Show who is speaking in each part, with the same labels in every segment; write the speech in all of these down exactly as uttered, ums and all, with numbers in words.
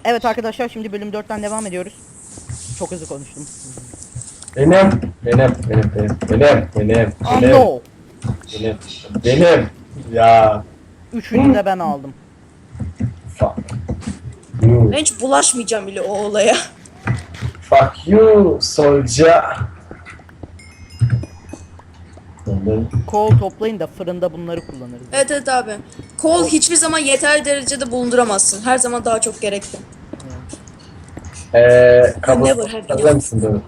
Speaker 1: Evet arkadaşlar, şimdi bölüm dörtten devam ediyoruz. Çok hızlı konuştum.
Speaker 2: Benim, benim, benim, benim, benim, benim,
Speaker 1: Oh
Speaker 2: benim,
Speaker 1: no!
Speaker 2: benim, benim. Ya,
Speaker 1: Üçünü de ben aldım.
Speaker 2: fuck you,
Speaker 3: Ben hiç bulaşmayacağım bile o olaya.
Speaker 2: fuck you, soldier.
Speaker 1: Kol toplayın da fırında bunları kullanırız.
Speaker 3: Evet evet abi. Kol hiçbir zaman yeterli derecede bulunduramazsın. Her zaman daha çok gerekli.
Speaker 2: Eee,
Speaker 3: Never
Speaker 2: kabus
Speaker 3: have
Speaker 2: atabilir misin böyle?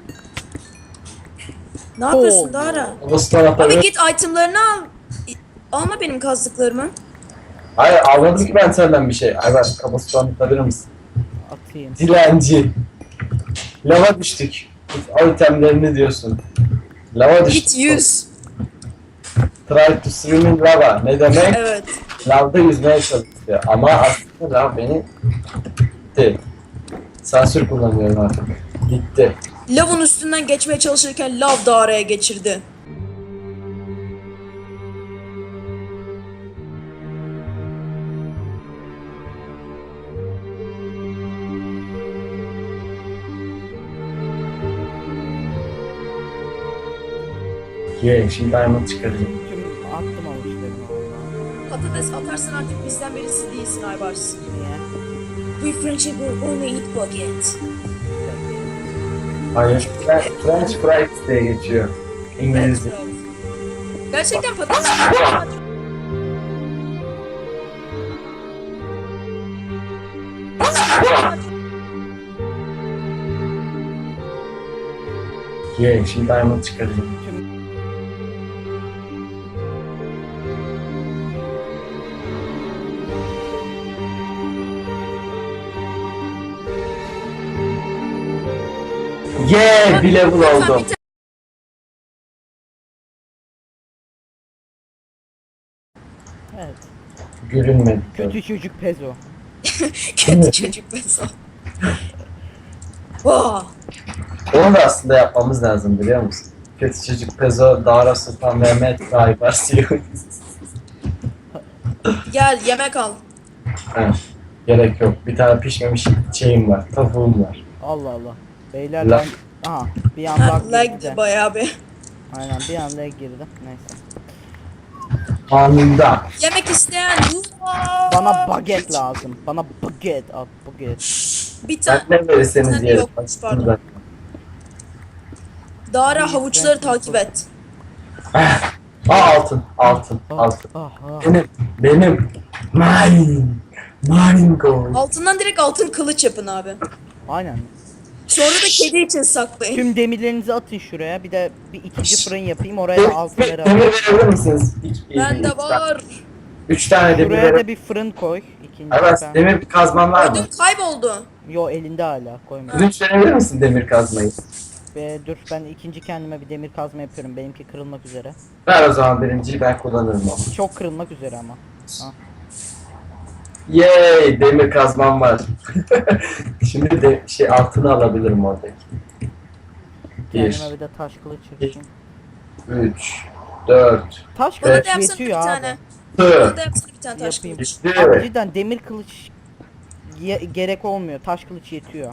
Speaker 3: Ne yapıyorsun
Speaker 1: Kol.
Speaker 3: Dara?
Speaker 2: Kabustan
Speaker 3: Abi
Speaker 2: atabilir.
Speaker 3: git itemlarını al. Alma benim kazdıklarımı.
Speaker 2: Hayır, almadım ki ben senden bir şey. Ayber, kabustan atabilir misin?
Speaker 1: Atayım.
Speaker 2: Dilenci. Lava düştük. O itemlerini diyorsun. Lava düştük.
Speaker 3: Git yüz.
Speaker 2: Try to swim in lava. Ne demek?
Speaker 3: Evet.
Speaker 2: Lavda yüzmeye çalışıyor ama aslında lav beni gitti. Sansür kullanıyorum artık. Gitti.
Speaker 3: Lavın üstünden geçmeye çalışırken lav Dara'ya geçirdi.
Speaker 2: Ye, şimdi diamond çıkaracağım.
Speaker 1: Tüm attım avuçlarını orada.
Speaker 3: Patates atarsan artık bizden birisi değilsin Aybars.
Speaker 1: Niye?
Speaker 3: We friendship will only eat bucket.
Speaker 2: Hayır. Fre- French fries diye geçiyor. İngilizce.
Speaker 3: Gerçekten patates
Speaker 2: Ye, şimdi diamond çıkaracağım.
Speaker 1: Tüm
Speaker 2: Ye, bir level oldum.
Speaker 1: evet.
Speaker 2: Gülünmedi.
Speaker 1: Kötü çocuk Pezo.
Speaker 3: kötü çocuk mesela. Vaa.
Speaker 2: Onu da aslında yapmamız lazım biliyor musun? Kötü çocuk Pezo, Dara Sultan Mehmet, Aybars diyor.
Speaker 3: Gel yemek al.
Speaker 2: Ha, gerek yok. Bir tane pişmemiş şeyim var, tavuğum var.
Speaker 1: Allah Allah. Beyler
Speaker 2: La-
Speaker 1: ben... Aha, bir anda
Speaker 3: Ha,
Speaker 1: girdi de.
Speaker 3: lag'di bayağı bir.
Speaker 1: Aynen, bir anda girdi. Neyse.
Speaker 2: Anında.
Speaker 3: Yemek isteyen
Speaker 1: Bana baget lazım. Bana baget at, baget.
Speaker 3: bir tane
Speaker 2: Ben ne verirseniz
Speaker 3: Sen
Speaker 2: yerim.
Speaker 3: yokmuş, pardon. Dara havuçları takip et.
Speaker 2: Aa, altın, altın,
Speaker 1: Ah,
Speaker 2: altın.
Speaker 1: ah, ah.
Speaker 2: Benim, benim. Mine. Mine gold.
Speaker 3: Altından direkt altın kılıç yapın abi.
Speaker 1: Aynen.
Speaker 3: Sonra da kedi için saklayın.
Speaker 1: Tüm demirlerinizi atın şuraya. Bir de bir ikinci fırın yapayım. Oraya da altınları
Speaker 2: Demir
Speaker 1: atayım.
Speaker 2: verebilir misiniz? İki,
Speaker 3: Bende
Speaker 2: üç tane-
Speaker 3: var.
Speaker 2: Üç tane demir
Speaker 1: Şuraya
Speaker 2: verebilir.
Speaker 1: da bir fırın koy. İkinci
Speaker 2: Evet,
Speaker 1: ben.
Speaker 2: demir kazman var mı?
Speaker 3: Ödüm kayboldu.
Speaker 1: Yo, elinde hala, koyma.
Speaker 2: Ödünç verebilir misin demir kazmayı?
Speaker 1: Ve dur, ben ikinci kendime bir demir kazma yapıyorum. Benimki kırılmak üzere.
Speaker 2: Ver o zaman birinciyi, ben kullanırım onu.
Speaker 1: Çok kırılmak üzere ama.
Speaker 2: Yay, demir kazmam var. Şimdi de şey altını alabilirim oradaki. Bir,
Speaker 1: Kendime bir de taş kılıç yapayım.
Speaker 2: üç, dört,
Speaker 1: Taş
Speaker 3: Bana
Speaker 1: kılıç
Speaker 3: da yapsana bir
Speaker 1: yetiyor abi.
Speaker 3: tane. Bana
Speaker 2: dört,
Speaker 3: da yapsana bir tane taş
Speaker 1: Yapayım.
Speaker 3: kılıç.
Speaker 1: Abi cidden demir kılıç ye- gerek olmuyor. Taş kılıç yetiyor.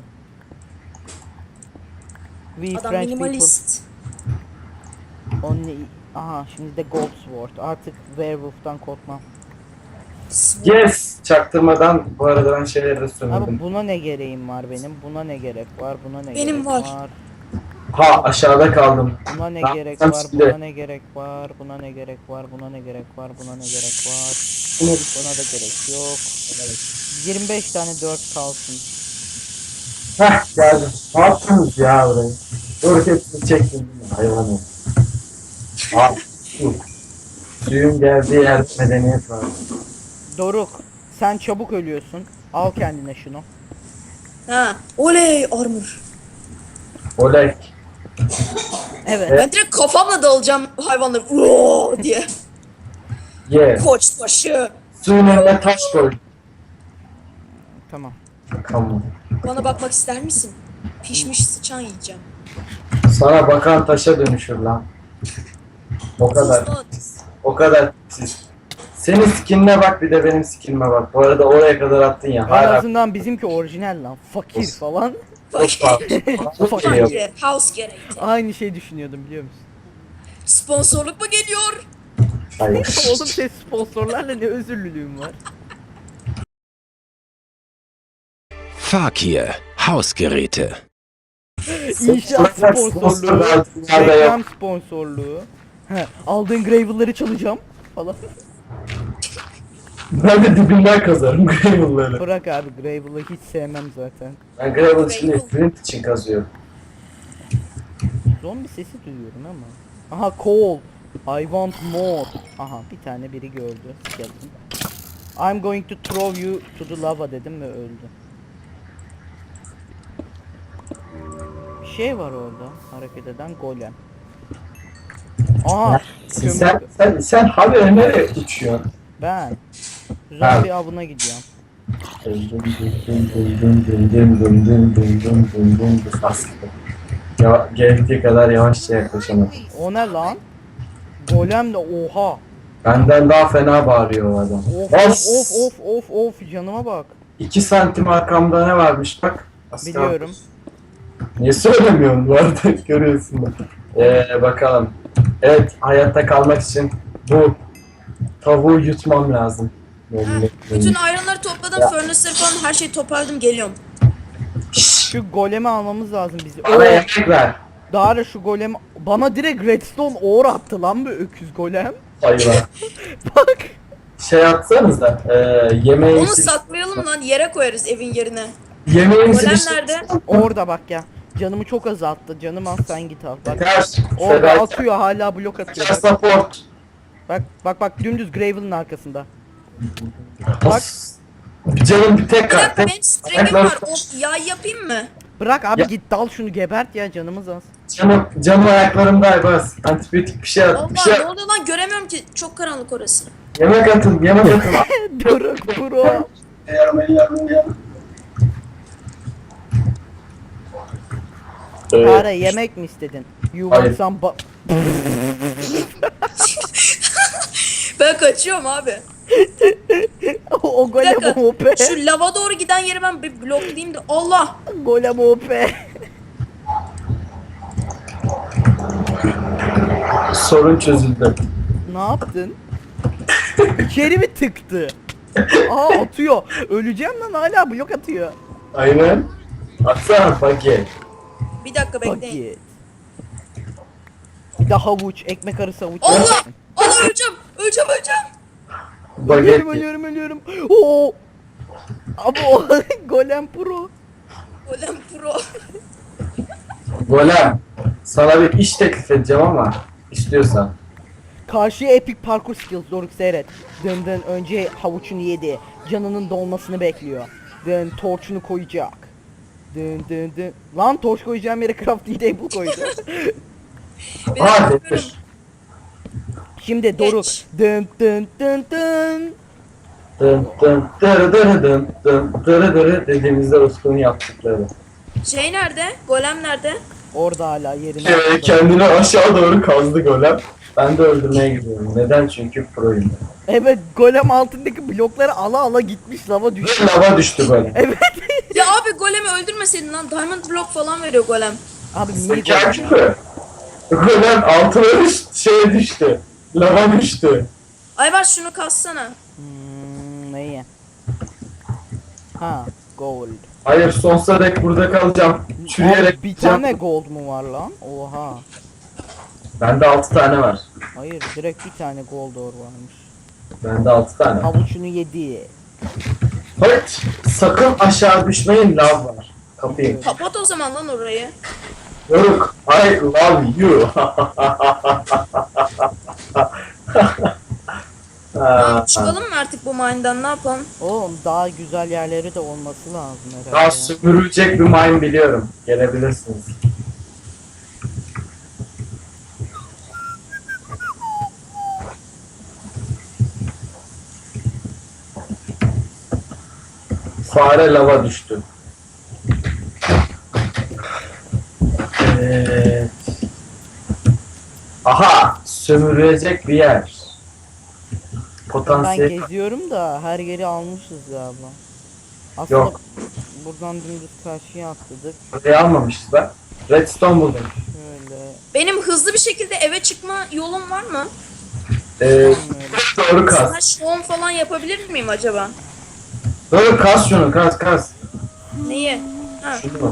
Speaker 1: We
Speaker 3: Adam
Speaker 1: French
Speaker 3: minimalist.
Speaker 1: people only... Aha, şimdi de gold sword. Artık werewolf'tan korkmam.
Speaker 2: Yes! Çaktırmadan bu arada ben şeyleri de
Speaker 1: Abi
Speaker 2: sömürdüm.
Speaker 1: buna ne gereğim var benim? Buna ne gerek var? Buna ne
Speaker 3: Benim
Speaker 1: gerek
Speaker 3: var.
Speaker 1: var?
Speaker 2: Ha, aşağıda kaldım.
Speaker 1: Buna ne
Speaker 2: Ben
Speaker 1: gerek
Speaker 2: sen
Speaker 1: var?
Speaker 2: söyle.
Speaker 1: Buna ne gerek var? Buna ne gerek var? Buna ne gerek var? Buna ne gerek var? Buna da gerek yok. yirmi beş tane dört kalsın.
Speaker 2: Heh, geldim. Ne yaptınız ya burayı? Dur, hepsini çektim. Hayvanım. Al, su. Suyun geldiği yer medeniyet var.
Speaker 1: Doruk, sen çabuk ölüyorsun. Al kendine şunu.
Speaker 3: Ha. Oley armor.
Speaker 2: Olek.
Speaker 1: Evet.
Speaker 3: Ben direkt kafamla dalacağım hayvanları. Uoo diye.
Speaker 2: Ye.
Speaker 3: Koç başı.
Speaker 2: Suyun önüne taş koy.
Speaker 1: Tamam.
Speaker 2: Tamam.
Speaker 3: Bana bakmak ister misin? Pişmiş sıçan yiyeceğim.
Speaker 2: Sana bakan taşa dönüşür lan. O kadar.
Speaker 3: Tuzlu.
Speaker 2: O kadar pis. Senin skinine bak bir de benim skinime bak. Bu arada oraya kadar attın ya.
Speaker 1: En
Speaker 2: Hala
Speaker 1: azından bizimki orijinal lan. Fakir
Speaker 2: Olsun.
Speaker 1: falan.
Speaker 2: çok geliyor.
Speaker 3: Fakir. House gerekti.
Speaker 1: Aynı şey düşünüyordum biliyor musun?
Speaker 3: Sponsorluk mu geliyor?
Speaker 2: Hayır.
Speaker 1: Oğlum senin sponsorlarla ne özürlülüğüm var.
Speaker 4: Fakir Hausgeräte.
Speaker 1: İnşaat sponsorluğu.
Speaker 2: Sponsorlar dünyada
Speaker 1: Reklam
Speaker 2: yok.
Speaker 1: sponsorluğu. He, aldığın gravel'ları çalacağım falan.
Speaker 2: Ben de dibinden kazarım Gravel'ları.
Speaker 1: Bırak abi gravel'ı hiç sevmem zaten.
Speaker 2: Ben Gravel için değil, Flint için kazıyorum.
Speaker 1: Zombi sesi duyuyorum ama. Aha coal. I want more. Aha bir tane biri gördü. Skeleton. I'm going to throw you to the lava dedim ve öldü. Bir şey var orada hareket eden golem. Aha
Speaker 2: Sen,
Speaker 1: kömür.
Speaker 2: sen, sen, sen haberi nereye uçuyorsun?
Speaker 1: Ben zombi avına gidiyorum.
Speaker 2: Ya, gerektiği kadar yavaşça yaklaşamam.
Speaker 1: O ne lan? Golem de oha.
Speaker 2: Benden daha fena bağırıyor o adam.
Speaker 1: Of
Speaker 2: Bas!
Speaker 1: of of of of of canıma bak.
Speaker 2: iki santim arkamda ne varmış bak. Aslan.
Speaker 1: Biliyorum.
Speaker 2: Niye söylemiyorsun bu arada görüyorsun da. Ee, bakalım. Evet hayatta kalmak için bu tavuğu yutmam lazım.
Speaker 3: Ha, bütün ironları topladım, furnace'ları falan her şeyi toparladım, geliyorum.
Speaker 1: Şu golemi almamız lazım bizi.
Speaker 2: Bana
Speaker 1: Oo,
Speaker 2: yemek ver.
Speaker 1: Dara şu golem bana direkt redstone ore attı lan bu öküz golem.
Speaker 2: Hayvan.
Speaker 1: Bak.
Speaker 2: Şey atsanıza. E, yemeğimizi...
Speaker 3: Onu saklayalım lan, yere koyarız evin yerine.
Speaker 2: Yemeğimizi
Speaker 3: Golem
Speaker 2: bir-
Speaker 3: nerede?
Speaker 1: Orada bak ya. Canımı çok azalttı. Canım az sen git al. Bak.
Speaker 2: Yeter.
Speaker 1: Orada
Speaker 2: Feda-
Speaker 1: atıyor hala blok atıyor.
Speaker 2: Yeter
Speaker 1: Bak
Speaker 2: support.
Speaker 1: bak bak, bak dümdüz Gravel'ın arkasında. Bak.
Speaker 2: Canım bir tek
Speaker 3: Bir
Speaker 2: kat.
Speaker 3: dakika,
Speaker 2: Tek
Speaker 3: benim string'im var. O yay yapayım mı?
Speaker 1: Bırak abi
Speaker 2: Ya-
Speaker 1: git dal şunu gebert ya canımız az.
Speaker 2: Canım, canım ayaklarımda Aybaz. Antibiyotik bir şey at. Bir şey
Speaker 3: Allah, ne
Speaker 2: at.
Speaker 3: oluyor lan, göremiyorum ki, çok karanlık orası.
Speaker 2: Yemek atın. Yemek atın.
Speaker 1: Doruk bro.
Speaker 2: Yarım yarım yarım.
Speaker 1: Dara yemek mi istedin? You want
Speaker 2: Hayır.
Speaker 1: some ba-
Speaker 3: Ben kaçıyorum abi.
Speaker 1: O
Speaker 3: Bir
Speaker 1: golem
Speaker 3: dakika,
Speaker 1: O P.
Speaker 3: şu lava doğru giden yeri ben bir bloklayayım da. Allah!
Speaker 1: Golem O P.
Speaker 2: Sorun çözüldü.
Speaker 1: Ne yaptın? İçeri mi tıktı? Aa atıyor. Öleceğim lan hala blok atıyor.
Speaker 2: Aynen. Atsana paket.
Speaker 3: Bir dakika bekleyin.
Speaker 1: Paket. Bir de havuç, ekmek arası havuç.
Speaker 3: Allah!
Speaker 1: yersin.
Speaker 3: Allah, öleceğim! Öleceğim, öleceğim!
Speaker 1: Ölüyorum,
Speaker 2: Baget.
Speaker 1: ölüyorum, ölüyorum. Oo. Abi o golem pro.
Speaker 3: Golem pro.
Speaker 2: Golem. Sana bir iş teklif edeceğim ama istiyorsan.
Speaker 1: Karşıya epic parkur skills Doruk seyret. Dön dön önce havuçunu yedi. Canının dolmasını bekliyor. Dön torçunu koyacak. Dön dön dön. Lan torç koyacağım yere crafting table koydu.
Speaker 3: Bir
Speaker 2: Aa
Speaker 3: dakika,
Speaker 2: demir.
Speaker 3: bakıyorum.
Speaker 1: Şimdi Doruk.
Speaker 3: Geç.
Speaker 1: Dön dön dön dön.
Speaker 2: Dın dın dırı dırı dın dın dırı dırı dediğimizde Utku'nun yaptıkları.
Speaker 3: Şey nerede? Golem nerede?
Speaker 1: Orada hala yerinde.
Speaker 2: Ee, kendini aşağı doğru kazdı golem. Ben de öldürmeye gidiyorum. Neden? Çünkü proyum.
Speaker 1: Evet golem altındaki blokları ala ala gitmiş lava düştü.
Speaker 2: Ve lava düştü golem.
Speaker 1: Evet.
Speaker 3: Ya abi, golemi öldürmeseydin lan. Diamond block falan veriyor golem.
Speaker 1: Abi niye
Speaker 2: Zeka
Speaker 1: golem ya?
Speaker 2: küpü. Golem altına düştü, şeye düştü. Lava düştü.
Speaker 3: Aybaş, şunu kassana.
Speaker 1: Hmm, neyi? Ha gold.
Speaker 2: Hayır sonsuza dek burada kalacağım. Çürüyerek
Speaker 1: Abi, bir
Speaker 2: gideceğim.
Speaker 1: tane gold mu var lan? Oha.
Speaker 2: Bende altı tane var.
Speaker 1: Hayır direkt bir tane gold ore varmış.
Speaker 2: Bende altı tane.
Speaker 1: Havuçunu yedi.
Speaker 2: Hayır. Sakın aşağı düşmeyin, lav var. Kapıyı.
Speaker 3: Kapat o zaman lan orayı.
Speaker 2: Yoruk. I love you.
Speaker 3: Tamam, çıkalım mı artık bu mine'dan, ne yapalım?
Speaker 1: Oğlum daha güzel yerleri de olması lazım herhalde.
Speaker 2: Daha
Speaker 1: ya.
Speaker 2: sömürülecek bir mine biliyorum. Gelebilirsiniz. Fare lava düştü. Evet. Aha! Sömürülecek bir yer. potansiyel
Speaker 1: geziyorum da her yeri almışız galiba. Aslında
Speaker 2: yok.
Speaker 1: buradan dümdüz karşıya atladık.
Speaker 2: Burayı almamışız ben. Redstone buldum.
Speaker 1: Şöyle.
Speaker 3: Benim hızlı bir şekilde eve çıkma yolum var mı?
Speaker 2: Ee, doğru kas.
Speaker 3: Slash home falan yapabilir miyim acaba?
Speaker 2: Doğru kas şunu kas kas.
Speaker 3: Neyi? Ha.
Speaker 2: Şunu.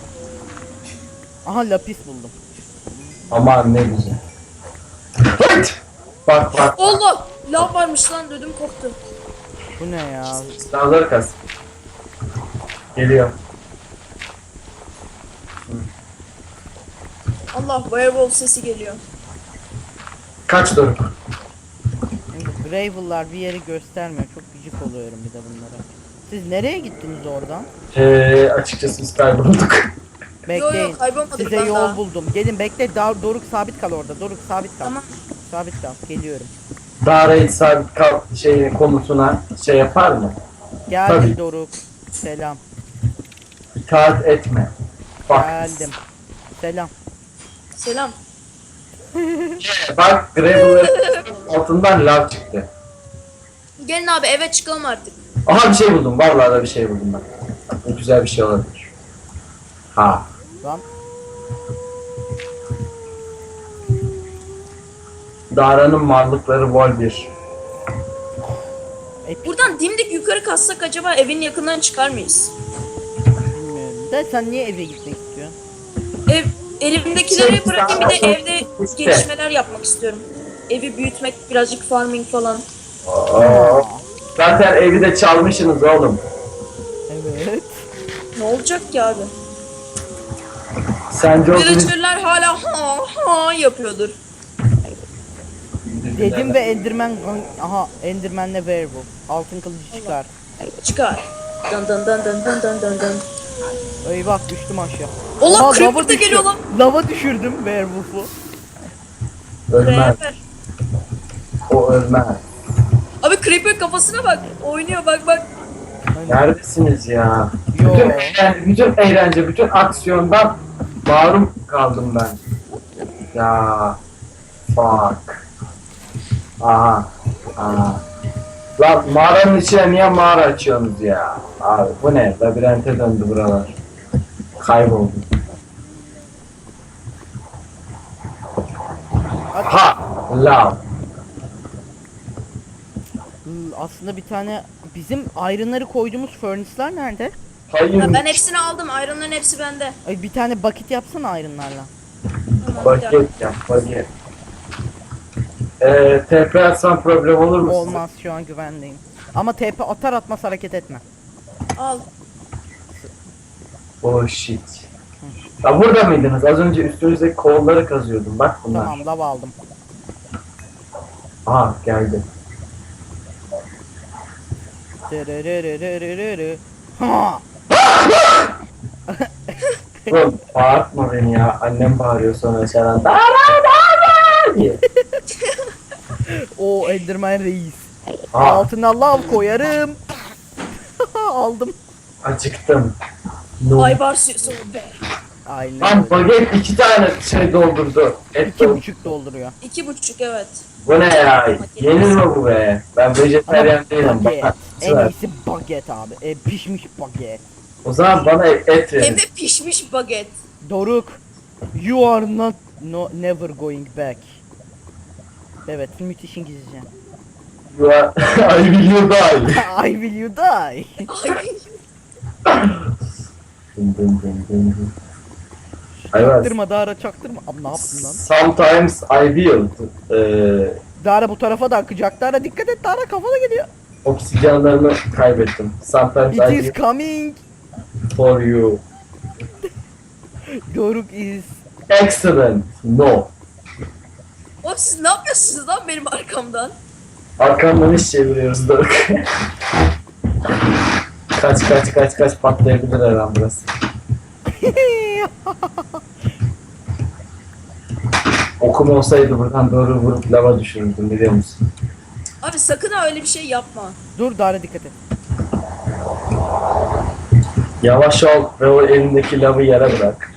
Speaker 1: Aha lapis buldum.
Speaker 2: Aman ne güzel. Hıt! Bak bak.
Speaker 3: Allah! Lav varmış lan, ödüm koptu.
Speaker 1: Bu ne ya?
Speaker 2: Sınavları kas. Geliyor.
Speaker 3: Allah, werewolf sesi geliyor.
Speaker 2: Kaç Doruk?
Speaker 1: Şimdi Gravel'lar bir yeri göstermiyor. Çok gıcık oluyorum bir de bunlara. Siz nereye gittiniz oradan?
Speaker 2: Ee, açıkçası biz kaybolduk.
Speaker 3: Yo yo,
Speaker 1: Bekleyin.
Speaker 3: kaybolmadık
Speaker 1: Size
Speaker 3: lan
Speaker 1: yol
Speaker 3: daha.
Speaker 1: buldum. Gelin bekle. Dar Doruk sabit kal orada. Doruk sabit kal.
Speaker 3: Tamam.
Speaker 1: Sabit kal. Geliyorum.
Speaker 2: Daire sabit kal şeyin konusuna şey yapar mı?
Speaker 1: Geldim
Speaker 2: Tabii.
Speaker 1: Doruk. Selam.
Speaker 2: İtaat etme. Bak.
Speaker 1: Geldim. Selam.
Speaker 3: Selam.
Speaker 2: Bak Gravel'ların altından lav çıktı.
Speaker 3: Gelin abi, eve çıkalım artık.
Speaker 2: Aha bir şey buldum. Vallahi da bir şey buldum ben. Bu güzel bir şey olabilir. Ha.
Speaker 1: Lan.
Speaker 2: Dara'nın varlıkları vol bir.
Speaker 1: Epik
Speaker 3: Buradan dimdik yukarı kassak acaba evin yakından çıkar mıyız?
Speaker 1: bilmiyorum. De sen niye eve gitmek istiyorsun?
Speaker 3: Ev, elimdekileri
Speaker 2: Şey,
Speaker 3: bırakayım, bir de
Speaker 2: sen-
Speaker 3: evde
Speaker 2: İşte.
Speaker 3: gelişmeler yapmak istiyorum. Evi büyütmek, birazcık farming falan.
Speaker 2: Aa, zaten evi de çalmışsınız oğlum.
Speaker 1: Evet.
Speaker 3: Ne olacak ki abi?
Speaker 2: Sence o birisi-
Speaker 3: Villager'lar hala ha ha yapıyordur.
Speaker 1: Dedim ve Enderman aha Enderman'le Werewolf. Altın kılıcı çıkar.
Speaker 3: Çıkar. Dın dın dın dın dın dın dın dın.
Speaker 1: Eyvah düştüm aşağı.
Speaker 3: Allah,
Speaker 1: Aha,
Speaker 3: Creeper
Speaker 1: lava
Speaker 3: da
Speaker 1: düştü.
Speaker 3: geliyor lan.
Speaker 1: Lava düşürdüm Werewolf'u.
Speaker 2: Ölmez.
Speaker 3: Creeper.
Speaker 2: O ölmez.
Speaker 3: Abi Creeper kafasına bak. Oynuyor, bak bak.
Speaker 2: Neredesiniz ya?
Speaker 1: Yo.
Speaker 2: Bütün eğlence, bütün eğlence, bütün aksiyondan mahrum kaldım ben. Ya. Fuck. Aha. Aha. Lan mağaranın içine niye mağara açıyorsunuz ya? Abi bu ne? Labirente döndü buralar. Kayboldum. Ha! Lav.
Speaker 1: Hmm, Aslında bir tane bizim iron'ları koyduğumuz furnace'lar nerede?
Speaker 2: Hayır.
Speaker 3: Ha, ben hepsini aldım. Iron'ların hepsi bende.
Speaker 1: Ay bir tane bucket yapsana iron'larla.
Speaker 3: Tamam, bir dakika.
Speaker 2: Paket yap, paket. Eee, T P atsan problem olur mu? size?
Speaker 1: Olmaz, şu an güvendeyim. Ama T P atar atmaz hareket etme.
Speaker 3: Al.
Speaker 2: Oh shit. Ya burada mıydınız? Az önce üstünüzdeki kolları kazıyordum. Bak bunlar.
Speaker 1: Tamam, lav aldım.
Speaker 2: Aha geldi.
Speaker 1: Dırırırırırırı. Ha!
Speaker 2: Oğlum bağırtma beni ya. Annem bağırıyor sonra sana. Dara dara diye.
Speaker 1: O Enderman reis.
Speaker 2: Aa,
Speaker 1: Altına lav koyarım. Aldım.
Speaker 2: acıktım. No.
Speaker 3: Aybar suyu be.
Speaker 1: Aynen.
Speaker 2: Lan baget iki tane şey doldurdu. Et
Speaker 1: İki
Speaker 2: doldurdu.
Speaker 1: buçuk dolduruyor.
Speaker 3: İki buçuk, evet.
Speaker 2: Bu ne ya? Yenir mi bu be? Ben vejetaryen değilim.
Speaker 1: Baget.
Speaker 2: Bak,
Speaker 1: En
Speaker 2: ver.
Speaker 1: iyisi baget abi. E, pişmiş baget.
Speaker 2: O zaman bana et
Speaker 3: Hem
Speaker 2: verin.
Speaker 3: de pişmiş baget.
Speaker 1: Doruk. You are not no, never going back. Evet, müthiş İngilizce.
Speaker 2: You are... I will you die.
Speaker 1: I will you die.
Speaker 3: Ay,
Speaker 2: Dın dın dın dın dın. Ayvaz.
Speaker 1: Çaktırma Dara, çaktırma. Abi ne yaptın lan?
Speaker 2: Sometimes I will. Eee...
Speaker 1: Dara bu tarafa da akacak. Dara dikkat et, Dara kafana gidiyor.
Speaker 2: Oksijenlerimi kaybettim. Sometimes
Speaker 1: It
Speaker 2: I
Speaker 1: is
Speaker 2: will
Speaker 1: coming.
Speaker 2: for you.
Speaker 1: Doruk is.
Speaker 2: Excellent. No.
Speaker 3: oğlum siz ne yapıyorsunuz lan benim arkamdan?
Speaker 2: Arkamdan iş çeviriyoruz Doruk. Kaç kaç kaç kaç patlayabilir her an burası. Okum olsaydı buradan doğru vurup lava düşürürdüm biliyor musun?
Speaker 3: Abi sakın ha öyle bir şey yapma.
Speaker 1: Dur Dara dikkat et.
Speaker 2: Yavaş ol ve o elindeki lavı yere bırak.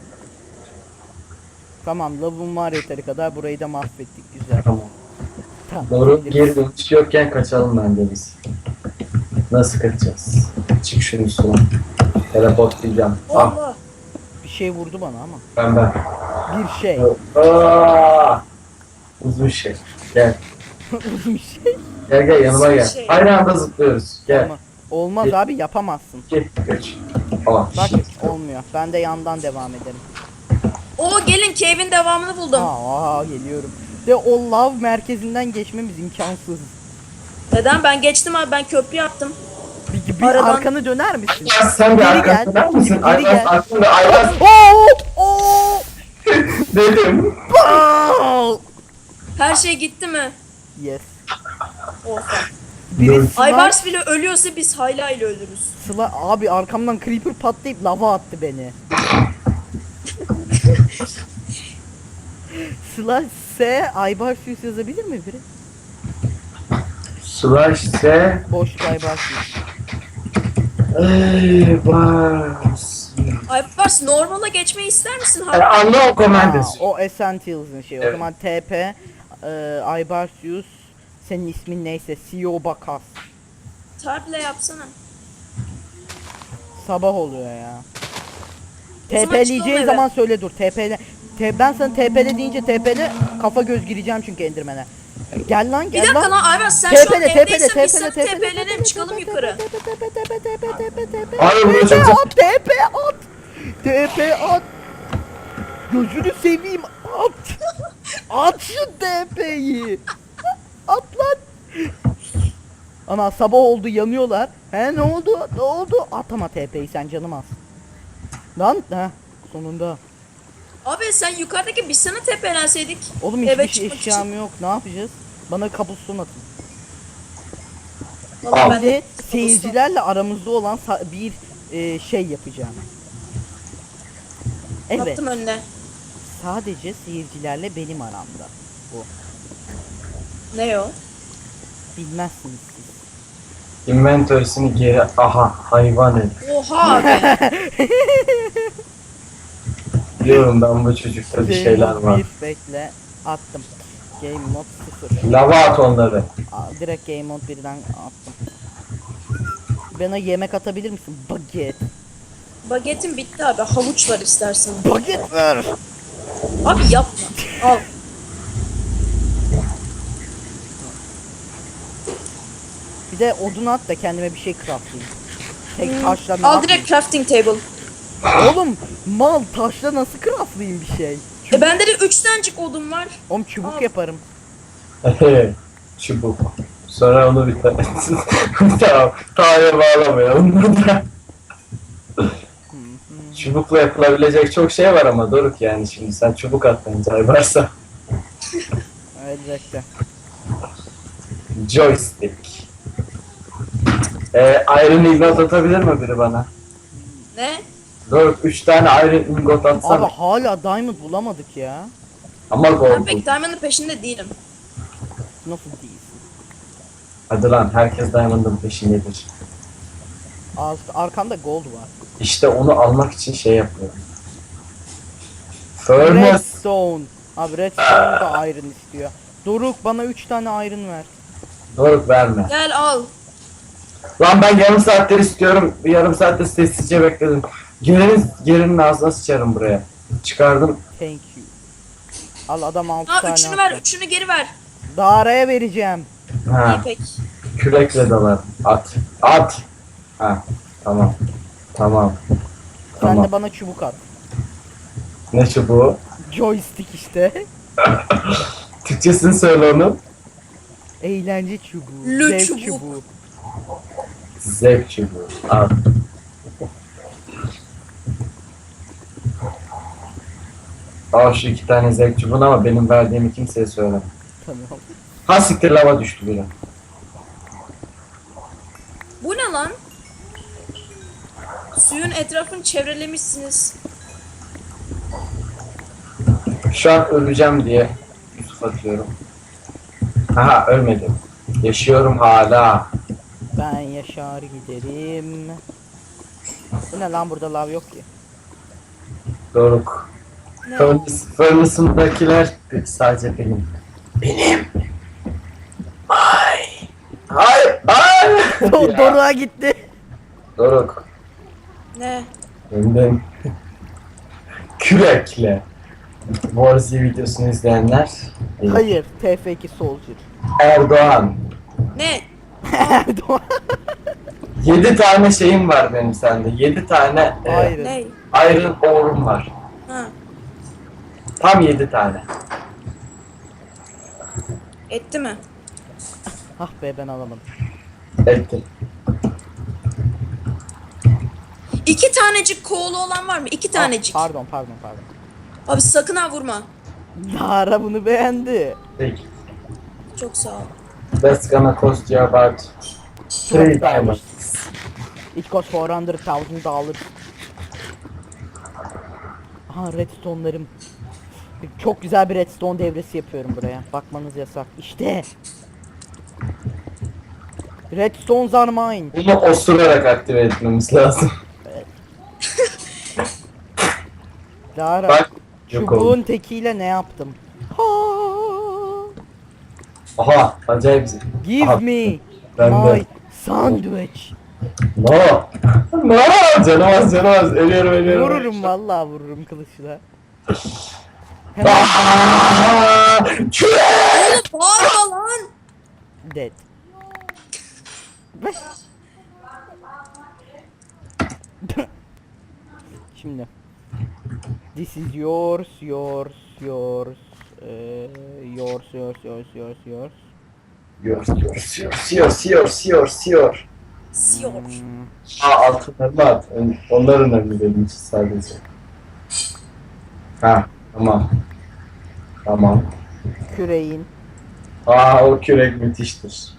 Speaker 1: Tamam, lavım var yeteri kadar, burayı da mahvettik, güzel.
Speaker 2: Tamam. Doğru
Speaker 1: Geliriz.
Speaker 2: geri dönüş yokken kaçalım bence biz. Nasıl kaçacağız? Çık şunun üstüne. Teleport diyeceğim. Ah
Speaker 3: Allah.
Speaker 1: Bir şey vurdu bana ama.
Speaker 2: ben ben.
Speaker 1: Bir şey.
Speaker 2: Aa! Uzun şey. Gel.
Speaker 1: Uzun bir şey.
Speaker 2: Gel gel yanıma
Speaker 3: Uzun
Speaker 2: gel.
Speaker 3: şey.
Speaker 2: Aynı anda zıplıyoruz. Gel.
Speaker 1: Ama olmaz abi, yapamazsın.
Speaker 2: Git geç. Aa.
Speaker 1: Bak olmuyor. Ben de yandan devam ederim.
Speaker 3: Oo gelin cave'in devamını buldum.
Speaker 1: Aa, aa geliyorum. De o lav merkezinden geçmemiz imkansız.
Speaker 3: Neden? Ben geçtim abi, ben köprü yaptım.
Speaker 1: Bir, bir
Speaker 3: Aradan-
Speaker 1: arkanı döner misin?
Speaker 2: Ya sen bir
Speaker 1: Geri
Speaker 2: arkasına
Speaker 1: gel.
Speaker 2: döner misin?
Speaker 1: Geri
Speaker 2: Ayvaz
Speaker 1: gel.
Speaker 2: aklında Ayvaz
Speaker 1: Oo! Oo!
Speaker 2: dedim.
Speaker 1: Aa!
Speaker 3: Her şey gitti mi?
Speaker 1: Yes.
Speaker 3: Oha.
Speaker 1: Biri slime,
Speaker 3: Aybars bile ölüyorsa biz hala ile ölürüz.
Speaker 1: slime, abi arkamdan creeper patlayıp lava attı beni. Slash S Aybarsius yazabilir mi biri?
Speaker 2: Slash S
Speaker 1: Boşluk Aybarsius.
Speaker 2: Ayvaz.
Speaker 3: Aybars normala geçmeyi ister misin?
Speaker 2: Yani
Speaker 3: Ha?
Speaker 2: anla o
Speaker 1: Aa,
Speaker 2: komandası.
Speaker 1: o Essentials'ın şeyi. O
Speaker 2: Evet.
Speaker 1: zaman T P e, Aybarsius, senin ismin neyse, C E O Bakas.
Speaker 3: Tarple yapsana.
Speaker 1: Sabah oluyor ya.
Speaker 3: O zaman
Speaker 1: TP'leyeceği
Speaker 3: çıkalım
Speaker 1: zaman söyle dur. TP'le. T ben sana T P'le deyince T P'le kafa göz gireceğim çünkü Enderman'e. Gel lan
Speaker 3: Bir
Speaker 1: gel
Speaker 3: dakika
Speaker 1: lan.
Speaker 3: lan Aybars, sen şu an
Speaker 1: T P'le T P'le
Speaker 3: evdeysen
Speaker 1: T
Speaker 3: biz sana
Speaker 1: P'le
Speaker 3: tepelenelim, çıkalım yukarı.
Speaker 2: Hayır, buraya
Speaker 1: T P
Speaker 2: çok-
Speaker 1: at, T P at. T P at. Gözünü seveyim, at. At şu T P'yi. At lan. Ana sabah oldu, yanıyorlar. He ne oldu? Ne oldu? At ama T P'yi sen, canım az. Lan ha sonunda.
Speaker 3: Abi sen yukarıdaki biz sana tepelenseydik.
Speaker 1: Oğlum hiçbir
Speaker 3: Eve
Speaker 1: şey
Speaker 3: çıkmak için.
Speaker 1: eşyam yok. Ne yapacağız? Bana kabuston atın.
Speaker 3: Vallahi
Speaker 2: Al.
Speaker 3: ben
Speaker 1: Bir de
Speaker 3: de
Speaker 1: seyircilerle aramızda olan sa- bir e, şey yapacağım. Evet.
Speaker 3: yaptım önüne.
Speaker 1: Sadece seyircilerle benim aramda. Bu.
Speaker 3: Ne o?
Speaker 1: Bilmezsiniz siz.
Speaker 2: Inventory'sini geri aha hayvan herif.
Speaker 3: Oha abi.
Speaker 2: Diyorum ben bu çocukta bir
Speaker 1: Game
Speaker 2: şeyler
Speaker 1: mode
Speaker 2: var.
Speaker 1: bir, bekle. Attım. Game mode sıfır.
Speaker 2: Lava at onları.
Speaker 1: Aa, direkt game mode birden attım. Bana yemek atabilir misin? Baget.
Speaker 3: Bagetim bitti abi. Havuç var istersen.
Speaker 1: Baget ver.
Speaker 3: Abi yapma. Al.
Speaker 1: Bir de odun at da kendime bir şey craftlayayım. Tek taşla ne
Speaker 3: Al
Speaker 1: yapayım?
Speaker 3: direkt crafting table.
Speaker 1: Oğlum mal, taşla nasıl craftlayayım bir şey?
Speaker 3: E bende de üç tanecik odun var.
Speaker 1: Oğlum çubuk
Speaker 3: Al.
Speaker 1: yaparım.
Speaker 2: Çubuk. Sonra onu bir tane. Tamam. Tarihe bağlamayalım da. Çubukla yapılabilecek çok şey var ama Doruk yani şimdi sen çubuk atmayınca varsa.
Speaker 1: Elbette.
Speaker 2: Joystick. Ee, Iron Ingot atabilir mi biri bana?
Speaker 3: Ne?
Speaker 2: Doruk üç tane Iron Ingot
Speaker 1: Abi
Speaker 2: atsana.
Speaker 1: hala diamond bulamadık ya.
Speaker 2: Ama
Speaker 3: Ben
Speaker 2: gold.
Speaker 3: pek Diamond'ın peşinde değilim.
Speaker 1: Nasıl değilsin?
Speaker 2: Hadi lan herkes Diamond'ın peşindedir.
Speaker 1: Az, arkanda gold var.
Speaker 2: İşte onu almak için şey yapıyorum. Furnace.
Speaker 1: Redstone. Abi redstone da iron istiyor. Doruk bana üç tane iron ver.
Speaker 2: Doruk verme.
Speaker 3: Gel al.
Speaker 2: Lan ben yarım saattir istiyorum. Bir yarım saattir sessizce bekledim. Gelin, gelinin ağzına sıçarım buraya. Çıkardım.
Speaker 1: Thank you. Al adam altı
Speaker 3: Ha
Speaker 1: tane
Speaker 3: üçünü
Speaker 1: attı.
Speaker 3: ver, üçünü geri ver.
Speaker 1: Dara'ya vereceğim.
Speaker 2: Ha,
Speaker 3: İyi pek.
Speaker 2: kürekle dalar. At. At. Ha, tamam. Tamam.
Speaker 1: Sen
Speaker 2: Tamam.
Speaker 1: de bana çubuk at.
Speaker 2: Ne çubuğu?
Speaker 1: Joystick işte.
Speaker 2: Türkçesini söyle onu.
Speaker 1: Eğlence çubuğu.
Speaker 3: Lü
Speaker 1: Zevk
Speaker 3: çubuk.
Speaker 1: çubuğu.
Speaker 2: Zevk çubuğu. Al. Al şu iki tane zevk çubuğunu ama benim verdiğimi kimseye söyleme.
Speaker 1: Tamam.
Speaker 2: Ha siktir lava düştü biri.
Speaker 3: Bu ne lan? Suyun etrafını çevrelemişsiniz.
Speaker 2: Şu an öleceğim diye Yusuf atıyorum. Aha ölmedim. Yaşıyorum hala.
Speaker 1: Ben yaşar giderim. Bu ne lan, burada lav yok ki.
Speaker 2: Doruk.
Speaker 3: Ne?
Speaker 2: Furnace- Furnace'ındakiler sadece benim. Benim.
Speaker 1: Do- Doruk'a gitti.
Speaker 2: Doruk.
Speaker 3: Ne?
Speaker 2: Önden kürekle Warzi videosunu izleyenler bilir.
Speaker 1: Hayır, T F iki Soldier.
Speaker 2: Erdoğan.
Speaker 3: Ne?
Speaker 1: Erdoğan.
Speaker 2: Yedi tane şeyim var benim sende. Yedi tane e,
Speaker 1: Hayır.
Speaker 3: Ne?
Speaker 2: Iron Ore'um var.
Speaker 3: Ha.
Speaker 2: Tam yedi tane.
Speaker 3: Etti mi?
Speaker 1: Ah be, ben alamadım.
Speaker 2: Ettim.
Speaker 3: İki tanecik koğulu olan var mı? İki tanecik.
Speaker 1: Ah, pardon, pardon, pardon.
Speaker 3: Abi sakın ha vurma.
Speaker 1: Lara bunu beğendi.
Speaker 2: Peki.
Speaker 3: Çok sağ ol.
Speaker 2: That's gonna cost you about three diamonds.
Speaker 1: It costs four hundred thousand dollars. Aha, redstone'larım. Çok güzel bir redstone devresi yapıyorum buraya. Bakmanız yasak. İşte. Redstones are mine.
Speaker 2: Bunu osurarak aktive etmemiz lazım.
Speaker 1: Lara,
Speaker 2: Bak. Yok oldu.
Speaker 1: çubuğun tekiyle ne yaptım? Ha!
Speaker 2: Aha. Acayip güzel.
Speaker 1: Give
Speaker 2: Aha,
Speaker 1: me
Speaker 2: ben de.
Speaker 1: my sandwich.
Speaker 2: No. No. Canımaz canımaz. Ölüyorum ölüyorum.
Speaker 1: Vururum vallahi, vururum kılıçla. Hemen
Speaker 2: Aaaa! Küre!
Speaker 3: Oğlum bağırma lan.
Speaker 1: dead. Şimdi. This is yours, yours, yours, eee, yours, yours, yours, yours, yours.
Speaker 2: Yours, yours, yours, yours, yours, yours, yours.
Speaker 3: Siyor.
Speaker 1: Hmm,
Speaker 2: Aa altınlarını at. On- Onlar önemli benim için sadece. Ha tamam. Tamam.
Speaker 1: küreğin.
Speaker 2: Aa o kürek müthiştir.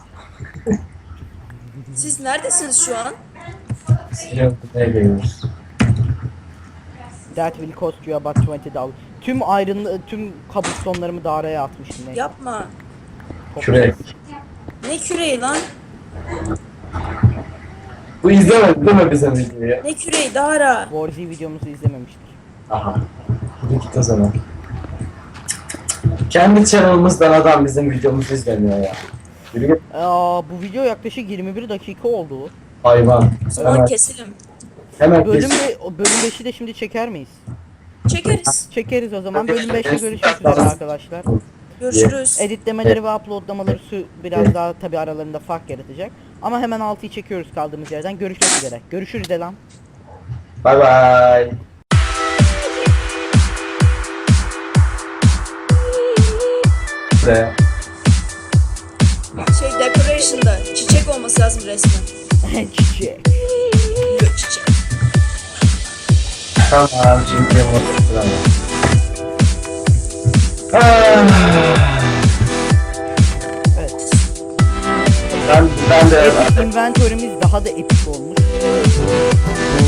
Speaker 3: Siz neredesiniz şu an?
Speaker 2: Siyahlığa geliyoruz.
Speaker 1: That will cost you about twenty dollars. Tüm iron, tüm cobblestone'larımı Dara'ya atmıştım. Ne?
Speaker 3: Yapma.
Speaker 2: Kürek.
Speaker 3: Ne küreği lan?
Speaker 2: Bu izlemedi değil mi bizim videoyu?
Speaker 3: Ne küreği Dara?
Speaker 1: Warzi videomuzu izlememiştir.
Speaker 2: Aha. Yürü git o zaman. Kendi channel'ımızdan adam bizim videomuzu izlemiyor ya. Yürü git
Speaker 1: Aa, bu video yaklaşık yirmi bir dakika oldu.
Speaker 2: hayvan.
Speaker 3: O zaman
Speaker 2: Hemen,
Speaker 3: keselim.
Speaker 2: hemen
Speaker 1: Bölüm
Speaker 2: kes.
Speaker 1: be, o bölüm beşi de şimdi çeker miyiz?
Speaker 3: Çekeriz.
Speaker 1: Çekeriz o zaman. Bölüm beşte görüşmek üzere arkadaşlar.
Speaker 3: Görüşürüz.
Speaker 1: Editlemeleri ve uploadlamaları su biraz daha tabi aralarında fark yaratacak. Ama hemen altıyı çekiyoruz kaldığımız yerden. Görüşmek üzere. Görüşürüz Elan.
Speaker 2: Bye bye. De.
Speaker 3: Şey decoration'da çiçek olması lazım resmen.
Speaker 1: Çiçek.
Speaker 3: Yok çiçek.
Speaker 2: Tamam şimdi yumurta Ah.
Speaker 1: Evet.
Speaker 2: Ben, ben de
Speaker 1: Epic inventory'miz daha da epik olmuş.